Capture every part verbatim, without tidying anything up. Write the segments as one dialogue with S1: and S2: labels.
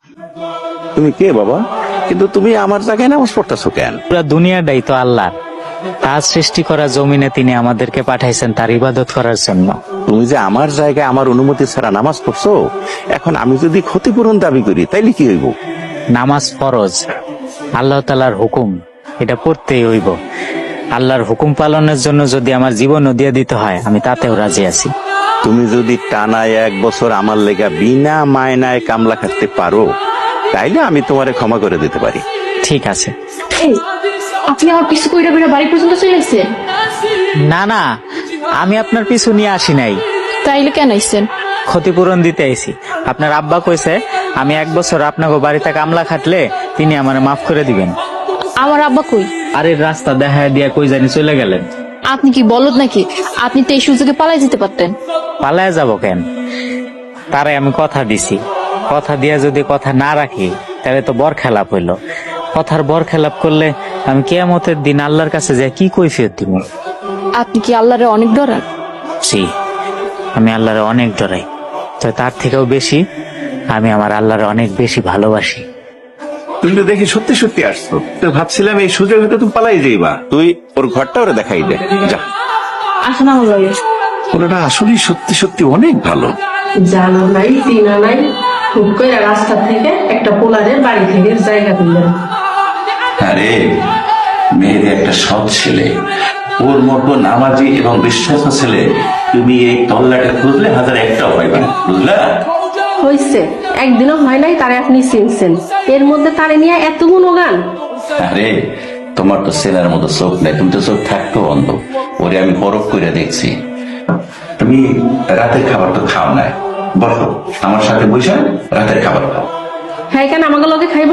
S1: তুমি কে বাবা? কিন্তু তুমি আমার জায়গায় নামাজ পড়তেছো কেন?
S2: পুরা দুনিয়াটাই তো আল্লাহ, তার সৃষ্টি করা জমিনে তিনি আমাদেরকে পাঠাইছেন তার ইবাদত করার জন্য।
S1: তুমি যে আমার জায়গায় আমার অনুমতি ছাড়া নামাজ পড়ছো, এখন আমি যদি ক্ষতিপূরণ দাবি করি তাইলে কি হইব?
S2: নামাজ ফরজ, আল্লাহ তাআলার হুকুম, এটা পড়তেই হইব। আল্লাহর হুকুম পালনের জন্য যদি আমার জীবনও দিয়ে দিতে হয় আমি তাতেও রাজি আছি।
S1: তুমি যদি টানায় এক বছর আমার লেগা বিনা মায়নায় কামলা খাটতে পারো তাইলে আমি তোমারে ক্ষমা করে দিতে পারি।
S2: ঠিক আছে।
S3: এই, আপনি আমার পিছু কইরা কইরা বাড়ি পর্যন্ত চলে আসছেন?
S2: না না, আমি আপনার পিছু নিয়ে আসি নাই,
S3: তাইলে কেন আইছেন?
S2: ক্ষতিপূরণ দিতে আইছি। আপনার আব্বা কইছে আমি এক বছর আপনাকে বাড়িতে কামলা খাটলে তিনি আমারে মাফ করে দিবেন।
S3: আমার আব্বা কই?
S2: আরে রাস্তা দেখা দিয়া কই জানি চলে গেলেন।
S3: আপনি কি বলদ নাকি? আপনি তো এই সুযোগে পালাই যেতে পারতেন।
S2: পালায় যাব কেন? তারে আমি কথা দিছি, কথা দিয়া যদি কথা না রাখি তাহলে তো বর খেলাপ হইল। কথার বর খেলাপ করলে আমি কিয়ামতের দিন আল্লাহর কাছে যাই কি কৈফিয়ত দিব?
S3: আপনি কি আল্লাহরে অনেক ডরান?
S2: জি, আমি আল্লাহরে অনেক ডরাই, তো তার থেকেও বেশি আমি আমার আল্লাহরে অনেক বেশি ভালোবাসি।
S4: তুমি তো দেখি সত্যি সত্যি আসছো, তো ভাবছিলাম এই সুযোগ হয়তো তুমি পালাই যাইবা।
S1: তুই ওর ঘরটা ওরে দেখাই দে, যা।
S3: আসুন আমার লগে।
S4: ওনারা আসলেই সত্যি সত্যি অনেক ভালো।
S5: জানো নাই চিনা নাই, হুট করে রাস্তা থেকে একটা পোলারের বাড়ি থেকে জায়গা দিলেন।
S4: আরে মেয়েদের একটা সৎ ছেলে, ওর মতো নামাজি এবং বিশ্বাসী ছেলে তুমি এই তল্লাটে খুঁজলে হাজার একটাও পাইবে না, বুঝলা?
S5: হয়েছে একদিনও হয় নাই তারে আপনি চিনছেন, এর মধ্যে তারে নিয়ে এত গুণগান।
S4: আরে তোমার তো ছেলের মতো চোখ নাই, তুমি তো চোখ থাকতো অন্ধ। ওরে আমি পরখ করে দেখছি। তুমি রাতের খাবার তো খাও না, বসো আমার সাথে বসে রাতের খাবার খাও।
S5: হ্যাঁ কেন আমাকে লগে খাইব?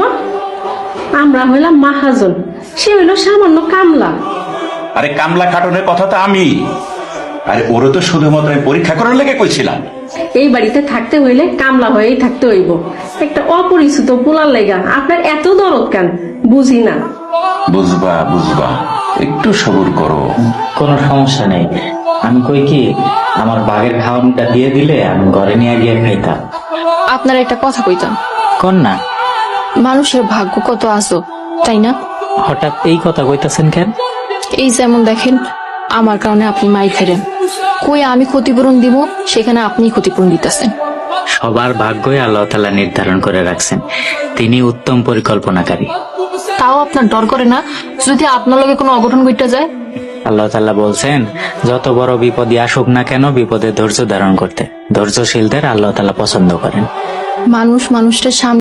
S5: আমরা হইলাম মাহাজন, সে হইল সামান্য কামলা।
S4: আরে কামলা খাটনের কথা তো আমি, আরে ওরও তো শুধুমাত্র আমি পরীক্ষা করার লেগে কইছিলাম।
S5: এই বাড়িতে থাকতে হইলে কামলা হয়েই থাকতে হইব। একটা অপরিচিত পোলার লেগা আপনার এত দরদ কেন বুঝি না।
S4: বুঝবা বুঝবা, একটু সবুর করো।
S2: কোনো সমস্যা নেই, আমি কই কি আমার বাঘের খাওয়ানটা দিয়ে দিলে আমি ঘরে নিয়ে গিয়ে খাইতাম।
S3: আপনার একটা কথা কইতাম।
S2: কোন না?
S3: মানুষের ভাগ্য কত আজব, তাই না?
S2: হঠাৎ এই কথা কইতাছেন কেন?
S3: এই যেমন দেখেন, আমার কারণে আপনি মাই খেলেন, কই আমি ক্ষতিপূরণ দিব, সেখানে আপনি ক্ষতিপূরণ দিতেছেন।
S2: সবার ভাগ্যই আল্লাহ তাআলা নির্ধারণ করে রাখছেন, তিনি উত্তম পরিকল্পনাকারী।
S3: তাও আপনার ডর করে না যদি আপনার লগে কোনো অঘটন ঘটে যায়?
S2: আল্লাহ তাআলা বলছেন যত বড় বিপদই আসুক না কেন বিপদে ধৈর্য ধারণ করতে। ধৈর্যশীলদের আল্লাহ তাআলা পছন্দ করেন।
S3: মানুষ মানুষের সামনে